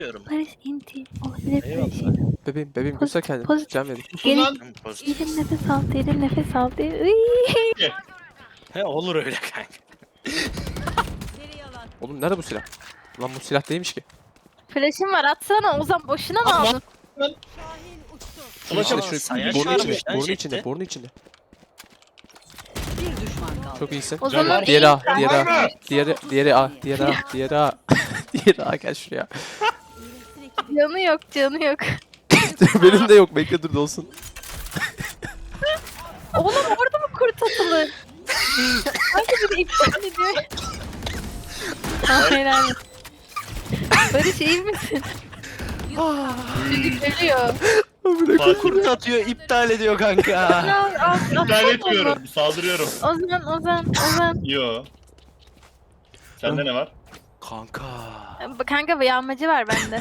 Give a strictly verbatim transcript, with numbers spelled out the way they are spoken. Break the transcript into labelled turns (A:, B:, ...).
A: diyorum.
B: Barış inti olabilir
A: Eyvallah.
B: Barış.
C: Bebeğim bebeğim
B: Poz-
C: göster kendini.
B: pozitif.
C: Can verin.
A: Susun lan.
B: Derin nefes al, derin nefes al. Derin... Iiii.
A: He olur öyle kanka.
C: Oğlum nerede bu silah? Lan bu silah değilmiş ki.
B: Flash'ım var atsana Ozan boşuna mı
A: Atma.
B: aldın?
C: Şunun
A: Ulaşım
C: içinde, şu
A: sayaç
C: borunun
A: varmış
C: içinde,
A: lan
C: borunun
A: jette.
C: içinde, borunun içinde.
D: Bir düşman kaldı.
C: Çok iyisin.
B: Ozan'ın
C: Diğeri A,
B: iyi-
C: diğeri A, diğeri, diğeri A, diğeri A, diğeri A. Diğeri A gel şuraya.
B: Canı yok, canı yok.
C: Benim de yok, bekle dur dolsun.
B: Oğlum orada mı kurt atılır? Hangi biri iptal ediyor? Hayır hayır. Barış iyi misin? Çocuk ölüyor.
A: Bak kurt atıyor, iptal ediyor kanka.
B: Al, al,
E: İptal
B: al,
E: etmiyorum. Saldırıyorum.
B: Ozan, Ozan, Ozan.
E: Yo. Sende ne var?
C: Kanka.
B: Kanka bir yağmacı var bende.